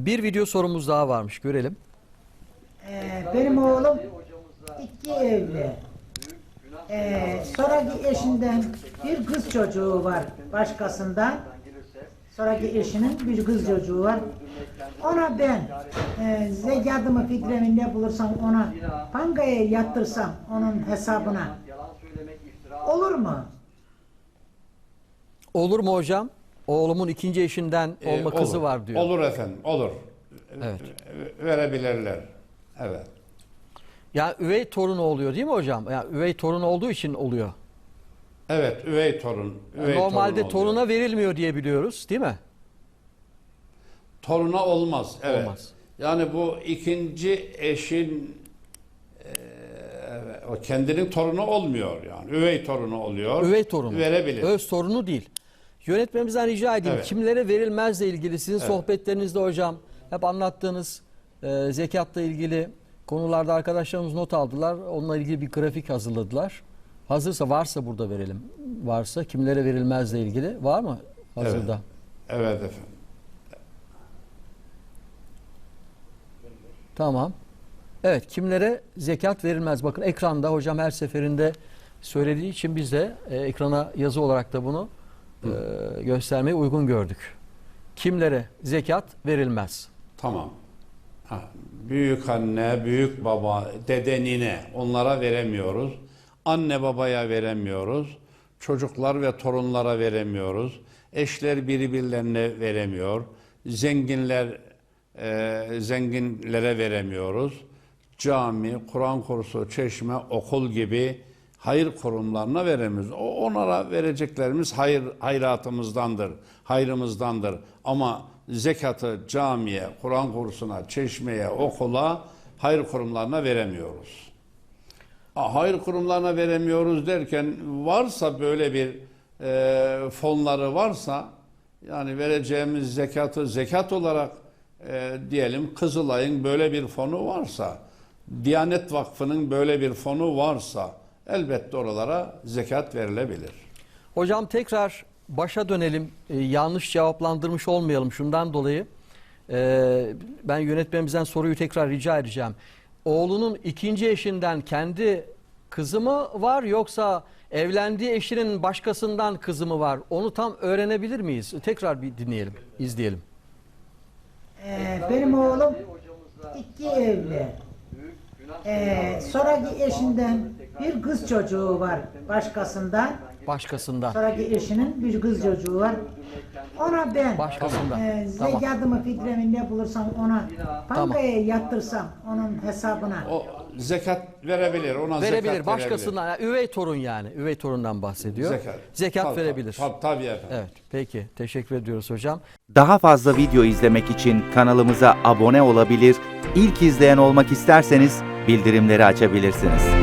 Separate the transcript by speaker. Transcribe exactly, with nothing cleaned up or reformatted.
Speaker 1: Bir video sorumuz daha varmış. Görelim.
Speaker 2: Ee, benim oğlum iki evli. Ee, sonraki eşinden bir kız çocuğu var başkasından. Sonraki eşinin bir kız çocuğu var. Ona ben e, zekatımı fitremi ne bulursam ona bankaya yattırsam onun hesabına olur mu?
Speaker 1: Olur mu hocam? Oğlumun ikinci eşinden olma
Speaker 3: Ee,
Speaker 1: kızı
Speaker 3: olur.
Speaker 1: var diyor.
Speaker 3: Olur efendim, olur.
Speaker 1: Evet.
Speaker 3: Verebilirler. Evet.
Speaker 1: Ya üvey torunu oluyor değil mi hocam? Ya üvey torun olduğu için oluyor.
Speaker 3: Evet, üvey torun. Üvey
Speaker 1: Normalde
Speaker 3: torun oluyor.
Speaker 1: toruna verilmiyor diye biliyoruz, değil mi?
Speaker 3: Toruna olmaz. Evet.
Speaker 1: Olmaz.
Speaker 3: Yani bu ikinci eşin e, o kendinin torunu olmuyor yani. Üvey torunu oluyor.
Speaker 1: Üvey torunu.
Speaker 3: Verebilir.
Speaker 1: Öz torunu değil. Yönetmemizden rica edeyim.
Speaker 3: Evet.
Speaker 1: Kimlere verilmezle ilgili sizin
Speaker 3: Evet.
Speaker 1: sohbetlerinizde hocam hep anlattığınız e, zekatla ilgili konularda arkadaşlarımız not aldılar. Onunla ilgili bir grafik hazırladılar. Hazırsa varsa burada verelim. Varsa kimlere verilmezle ilgili var mı hazırda?
Speaker 3: Evet. Evet efendim.
Speaker 1: Tamam. Evet, kimlere zekat verilmez? Bakın ekranda hocam her seferinde söylediği için biz de e, ekrana yazı olarak da bunu e, göstermeyi uygun gördük. Kimlere zekat verilmez?
Speaker 3: Tamam. Ha, büyük anne, büyük baba, dede, nine onlara veremiyoruz. Anne babaya veremiyoruz. Çocuklar ve torunlara veremiyoruz. Eşler birbirlerine veremiyor. Zenginler e, zenginlere veremiyoruz. Cami, Kur'an kursu, çeşme, okul gibi hayır kurumlarına veremiyoruz. O onlara vereceklerimiz hayır hayratımızdandır, hayrımızdandır. Ama zekatı camiye, Kur'an kursuna, çeşmeye, okula, hayır kurumlarına veremiyoruz. Ha, hayır kurumlarına veremiyoruz derken varsa böyle bir e, fonları varsa yani vereceğimiz zekatı zekat olarak e, diyelim Kızılay'ın böyle bir fonu varsa, Diyanet Vakfı'nın böyle bir fonu varsa elbette oralara zekat verilebilir.
Speaker 1: Hocam tekrar başa dönelim. Ee, yanlış cevaplandırmış olmayalım şundan dolayı. Ee, ben yönetmemizden soruyu tekrar rica edeceğim. Oğlunun ikinci eşinden kendi kızı mı var yoksa evlendiği eşinin başkasından kızı mı var? Onu tam öğrenebilir miyiz? Tekrar bir dinleyelim, izleyelim.
Speaker 2: Ee, benim oğlum iki evli. Ee, sonraki eşinden bir kız çocuğu var başkasından.
Speaker 1: Başkasından.
Speaker 2: Sonraki eşinin bir kız çocuğu var. Ona ben
Speaker 1: Başkasından.
Speaker 2: e,
Speaker 1: Tamam.
Speaker 2: zekatımı fitremi ne bulursam ona bankaya yattırsam onun hesabına.
Speaker 3: O zekat verebilir, ona
Speaker 1: Verebilir.
Speaker 3: zekat
Speaker 1: Başkasından. Yani üvey torun yani. Üvey torundan bahsediyor.
Speaker 3: Zekat.
Speaker 1: Zekat
Speaker 3: Tabii,
Speaker 1: verebilir.
Speaker 3: Tabii, tabii efendim.
Speaker 1: Evet. Peki. Teşekkür ediyoruz hocam.
Speaker 4: Daha fazla video izlemek için kanalımıza abone olabilir, ilk izleyen olmak isterseniz bildirimleri açabilirsiniz.